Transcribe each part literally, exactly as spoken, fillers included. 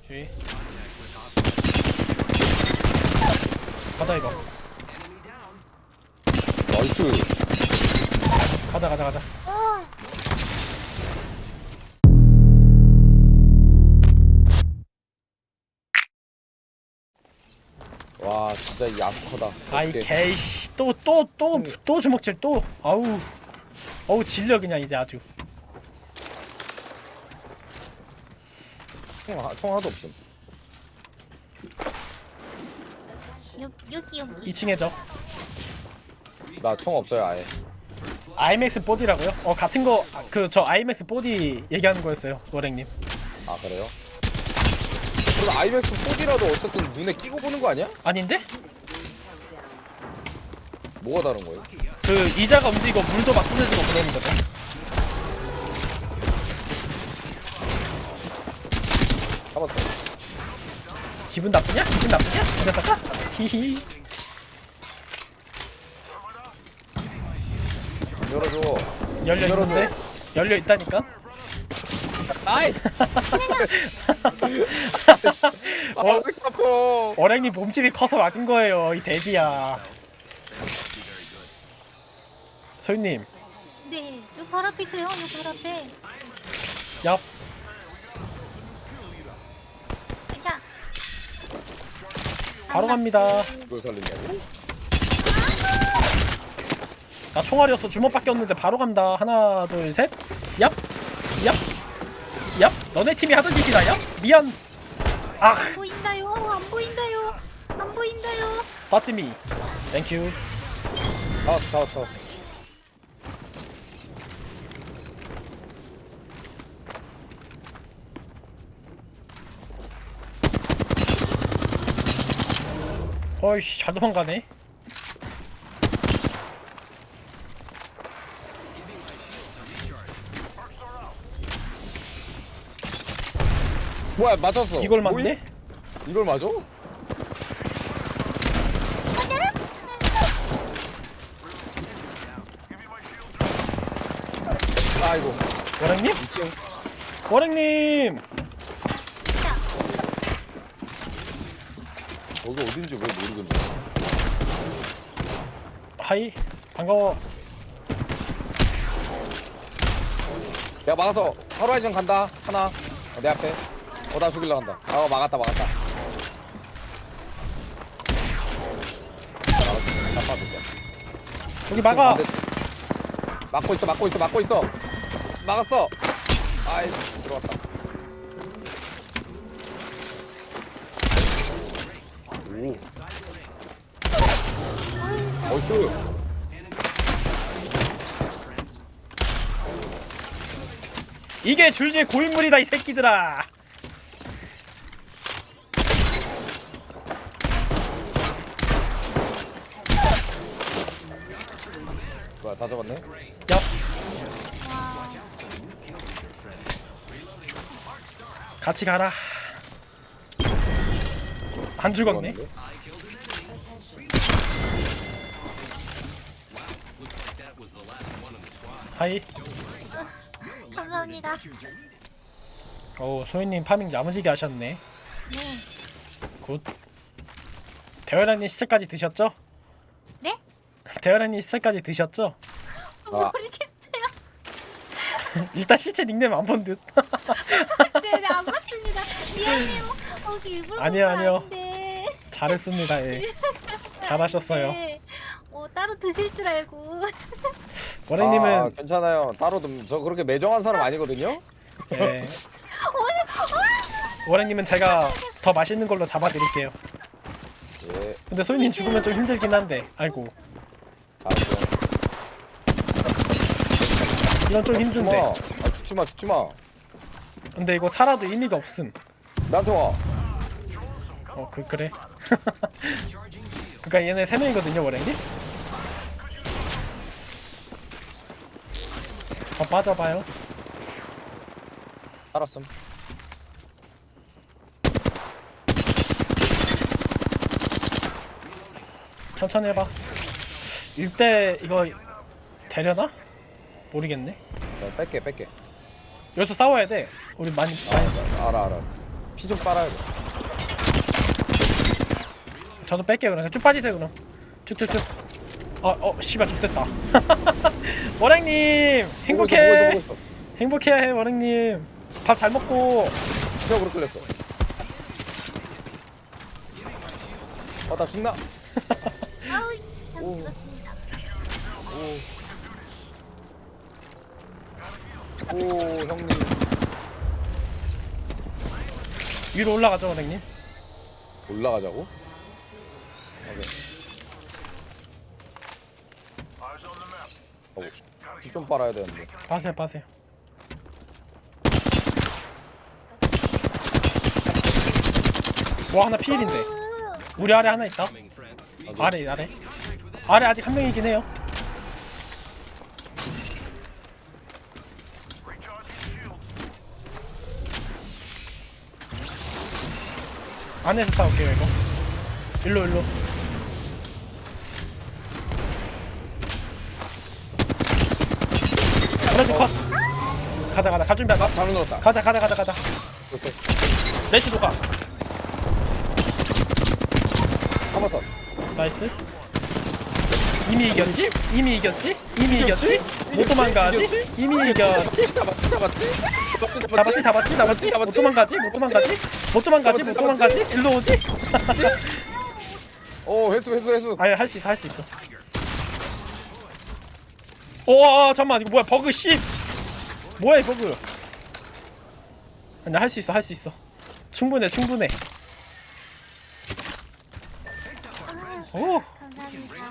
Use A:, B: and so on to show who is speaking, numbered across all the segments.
A: 뒤. 가자 이거.
B: 나이스.
A: 가자 가자 가자.
B: 와 진짜 이 아스커다.
A: 아이 개이씨 또 또 또 또 주먹질 또. 아우 어우 질려 그냥 이제 아주.
B: 총, 하- 총 하나도 없음.
C: 여, 여기 여기
A: 이 층에죠.
B: 나 총 없어요 아예.
A: 아이맥스 보디라고요? 어 같은 거 그 저 아이맥스 보디 얘기하는 거였어요 노랭님.
B: 아 그래요? 그럼 아이맥스 포디라도 어쨌든 눈에 끼고 보는 거 아니야?
A: 아닌데?
B: 뭐가 다른 거예요?
A: 그 이자가 움직이고 물도 막 뿌려지고 그러는 거죠.
B: 잡았어.
A: 기분 나쁘냐? 기분 나쁘냐? 이 녀석아? 히히.
B: 열어줘.
A: 열려 있는데? 열려 있다니까?
B: 나이스. 아, 왜 이렇게 아파?
A: 어랭님 몸집이 커서 맞은 거예요 이 돼지야. 소희님
C: 네 여기 바로 앞에 있어요 여기 바로 앞에
A: 얍.
C: 자
A: 바로 갑니다.
B: 이걸 살리냐고?
A: 나 총알이었어. 주먹밖에 없는데 바로 간다. 하나 둘 셋. 얍. 얍. 얍. 너네 팀이 하던 짓이다. 얍. 미안. 아
C: 안 보인다요 안 보인다요 안 보인다요
A: 빠찌미. 땡큐.
B: 잡았어 잡았어 잡았어.
A: 어이씨 잘 도망가네.
B: 뭐야 맞았어.
A: 이걸
B: 뭐이?
A: 맞네?
B: 이걸 맞아? 아이고.
A: 워랭님?
B: 이 층.
A: 워랭님!
B: 여기 어딘지 왜 모르겠네.
A: 하이 반가워.
B: 야 막아서 하루아이전 간다. 하나. 어, 내 앞에. 어 나 죽일러 간다. 아 막았다 막았다. 막았어. 다 빠졌어.
A: 여기 막아.
B: 막고 있어 막고 있어 막고 있어. 막았어. 아이 들어왔다. 오. 어이스.
A: 이게 줄지의 고인물이다 이 새끼들아.
B: 뭐야 다 잡았네.
A: 얍. 같이 가라. 안 죽었네.
B: 들어왔는데?
A: 하이.
C: 감사합니다
A: 오 소희님 파밍 야무지게 하셨네.
C: 네
A: 굿. 대열아님 시체까지 드셨죠?
C: 네?
A: 대열아님 시체까지 드셨죠?
B: 아.
C: 모르겠어요
A: 일단 시체 닉네임 안 본 듯.
C: 네네 안 봤습니다 미안해요 어 일부러
A: 아니요,
C: 본건
A: 아니요.
C: 아닌데.
A: 잘했습니다. 예. 잘하셨어요.
C: 네. 어 따로 드실 줄 알고
A: 워랭님은
B: 아, 괜찮아요. 따로 좀 저 그렇게 매정한 사람 아니거든요.
A: 예. 워랭님은 제가 더 맛있는 걸로 잡아드릴게요.
B: 예.
A: 근데 소희님 죽으면 좀 힘들긴 한데. 아이고
B: 알았어.
A: 이건 좀
B: 죽지 마.
A: 힘든데.
B: 아, 죽지 마, 죽지 마.
A: 근데 이거 살아도 의미가 없음.
B: 나한테 와.
A: 어 그 그래. 그러니까 얘네 세 명이거든요 워랭님. 더 빠져봐요.
B: 알았음.
A: 천천히 해봐. 일대 이거 되려나? 모르겠네.
B: 야, 뺄게, 뺄게.
A: 여기서 싸워야 돼. 우리 많이 많이
B: 아, 알아, 알아. 피 좀 빨아야 돼.
A: 저도 뺄게요. 그럼 쭉 빠지세요. 그럼 쭉쭉쭉. 어어 씨발 좆됐다. 워랭님
B: 보고
A: 행복해.
B: 있어, 보고 있어, 보고
A: 행복해야 해 워랭님. 밥 잘 먹고.
B: 있어. 기억으로 끌렸어. 어, 나 죽나?
C: 아우, 전
B: 오.
C: 죽었습니다.
B: 오. 오, 형님.
A: 위로 올라가죠 워랭님.
B: 올라가자고? 오케이. 어, 피 좀 빨아야 되는데.
A: 빠세요 빠세요. 와 하나 피일인데. 우리 아래 하나 있다. 아래 아래. 아래 아직 한 명이긴 해요. 안에서 싸울게요 이거. 일로 일로. 그래도 컷. 가자 가자 갈 준비하자.
B: 아, 잘못 눌렀다.
A: 가자 가자 가자 가자.
B: 오케이.
A: 레시도 가.
B: 한번선.
A: 나이스. 이미 이겼지? 이미 이겼지? 이미 이겼지? 못 도망가지?
B: 이겼지?
A: 이미 이겼지?
B: 잡았지, 잡았지.
A: 잡았지
B: 잡았지,
A: 잡았지 잡았지? 못 도망가지? 못 도망가지? 못 도망가지? 못 도망가지? 일로 오지?
B: 오, 회수, 회수, 회수.
A: 아니 할 수 있어 할 수 있어. 오 잠깐만 이거 뭐야 버그 씨. 뭐야 이 버그. 아니 할 수 있어 할 수 있어. 충분해 충분해. 오
C: 감사합니다.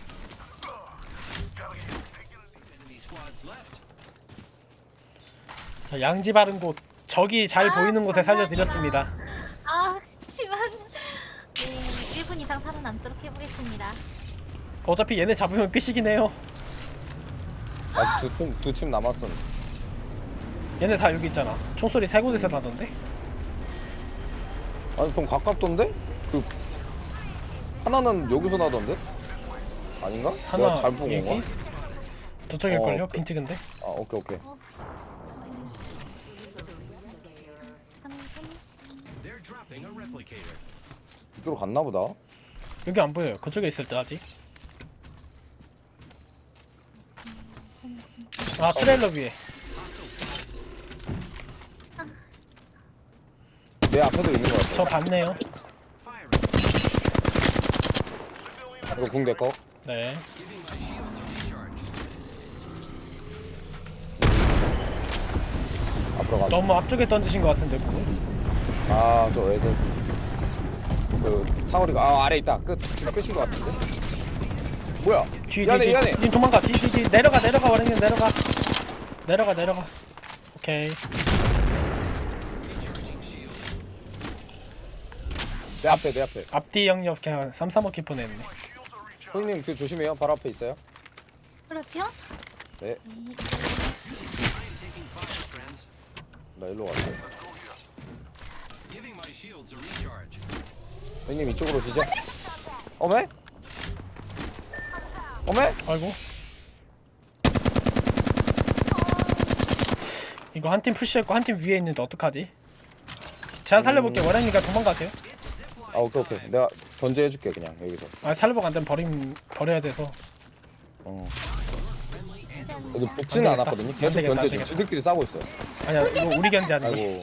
A: 자, 양지 바른 곳 적이 잘
C: 아,
A: 보이는 곳에
C: 감사합니다.
A: 살려드렸습니다.
C: 아, 그렇지만 네, 일 분 이상 살아남도록 해보겠습니다.
A: 어차피 얘네 잡으면 끝이긴 해요.
B: 아직 두 팀, 두 팀 남았어.
A: 얘네 다 여기 있잖아. 총소리 세 곳에서 나던데?
B: 아니, 좀 가깝던데? 그 하나는 여기서 나던데? 아닌가?
A: 하나
B: 내가 잘 보고 온
A: 여기
B: 거야?
A: 저쪽일걸요?
B: 어, 그-
A: 빈 찍은데?
B: 아, 오케이, 오케이. 이쪽으로 갔나 보다.
A: 여기 안 보여요. 그쪽에 있을 때 아직. 아 트레일러 위에.
B: 내 앞에도 있는 거 같아.
A: 저 봤네요.
B: 이거 궁대 거.
A: 네.
B: 앞으로 가.
A: 너무 앞쪽에 던지신 것 같은데 그거.
B: 아, 저 애들. 그 사거리가 아 아래 있다. 끝 끝인 것 같은데. 뭐야?
A: 뒤,
B: 이 안에
A: 뒤,
B: 이 안에.
A: 뒤, 뒤 도망가. 뒤, 뒤, 뒤. 내려가, 내려가. 와랭님 내려가. 내려가, 내려가. 오케이.
B: 내 앞에 내 앞에.
A: 앞뒤 영역 그냥 삼삼오키 보냈네.
B: 형님 그 조심해요. 바로 앞에 있어요.
C: 그렇죠?
B: 네. 나 일로 갈게. 형님 이쪽으로 오시죠. 어메? 어메?
A: 아이고. 이거 한 팀 푸시했고 한 팀 위에 있는데 어떡하지? 제가 살려볼게요. 와랭님가 도망가세요.
B: 아 오케이 오케이. 내가 던져해줄게 그냥 여기서.
A: 아 살려보고 안 되면 버림 버려야 돼서.
B: 어. 여기 붙지는
A: 안 되겠다.
B: 않았거든요.
A: 안
B: 계속
A: 되겠다, 안
B: 던져줘.
A: 되겠다.
B: 지들끼리 싸우고 있어.
A: 아니야 이거 우리 견제 아니고.
B: 아이고.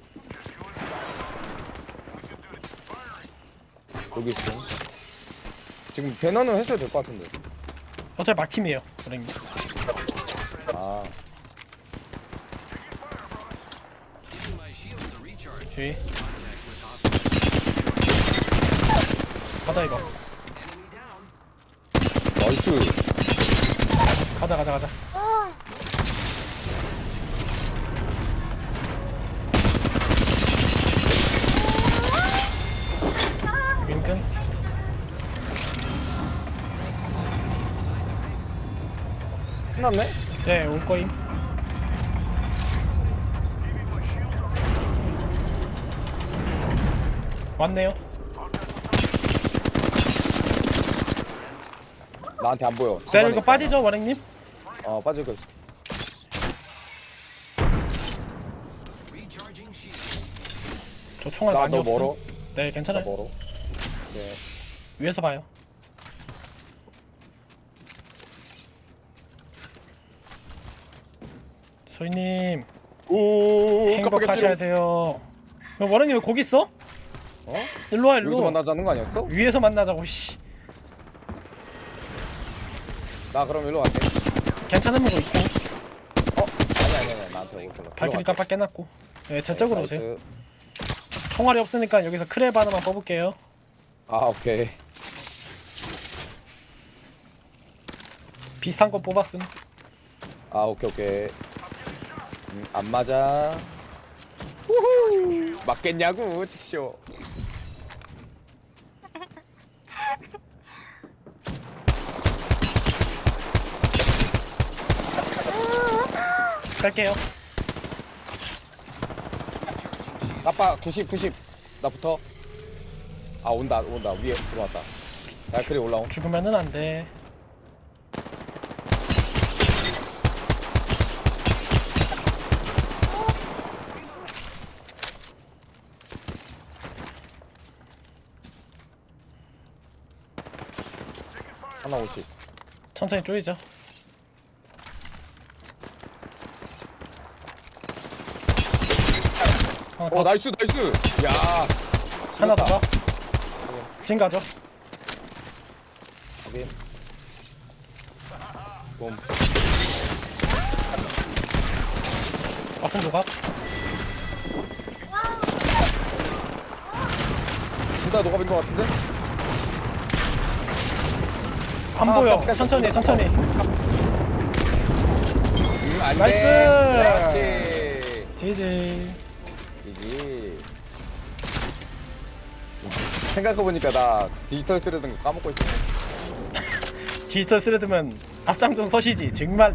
B: 여기 있어. 지금 배너는 했어야 될 것 같은데.
A: 어차피 막 팀이에요. 와랭님.
B: 아.
A: 주의. 가자 이거.
B: 나이스.
A: 가자 가자 가자. 윈끈.
B: 끝났네?
A: 네, 올 거임. 왔네요.
B: 나한테 안 보여.
A: 네,
B: 집안에
A: 이거
B: 있다.
A: 빠지죠, 와랭님?
B: 어 빠질 거 있어.
A: 저 총알
B: 나
A: 많이
B: 너
A: 없음.
B: 멀어?
A: 네
B: 나
A: 괜찮아요.
B: 멀어? 네.
A: 위에서 봐요. 소희님
B: 오
A: 행복하셔야 돼요. 그럼 워런님 왜 거기 있어?
B: 어?
A: 일로 와
B: 여기서
A: 일로.
B: 만나자는 거 아니었어?
A: 위에서 만나자고. 씨.
B: 나 그럼 일로 갈게.
A: 괜찮은 거 있고.
B: 어? 아니 아니 아니 나한테 오고 걸러.
A: 발키리 깜빡 깨놨고. 네, 제 쪽으로 오세요.
B: 나이스.
A: 총알이 없으니까 여기서 크랩 하나만 뽑을게요.
B: 아 오케이.
A: 비슷한 거 뽑았음.
B: 아 오케이 오케이. 음, 안 맞아. 우후. 맞겠냐고 직쇼.
A: 갈게요.
B: 아빠 구십 구십 나부터. 아 온다 온다 위에 들어왔다. 날크리 올라온.
A: 죽으면은 안 돼.
B: 하나 오십.
A: 천천히 쪼이죠. 하나
B: 어
A: 더.
B: 나이스 나이스. 야.
A: 하나 더.
B: 죽였다.
A: 가. 진 가죠.
B: 확인. 봄.
A: 왔음 조각.
B: 둘다 녹아빈 것 같은데?
A: 안
B: 아,
A: 보여.
B: 깜짝이야.
A: 천천히 천천히.
B: 음, 안
A: 나이스!
B: 돼. 그렇지.
A: 지지.
B: 지지. 생각해보니까 나 디지털 쓰려던 거 까먹고 있어.
A: 디지털 스레드면 앞장 좀 서시지. 정말.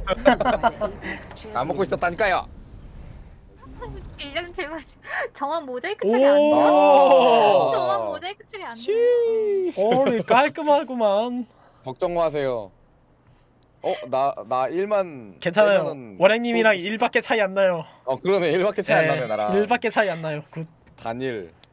B: 까먹고 있었다니까요.
C: 일년 제발 정원 모자이크 처리 안
A: 오.
C: 돼요. 정원 모자이크 처리 안 돼요.
A: 오리 깔끔하구만.
B: 걱정 마세요. 어, 나, 나 일만.
A: 괜찮아요.
B: 빼면은
A: 원행님이랑
B: 소-
A: 일밖에 차이 안 나요.
B: 어, 그러네. 일밖에 차이 안 나네, 나랑.
A: 일밖에 차이 안 나요. 굿.
B: 단일.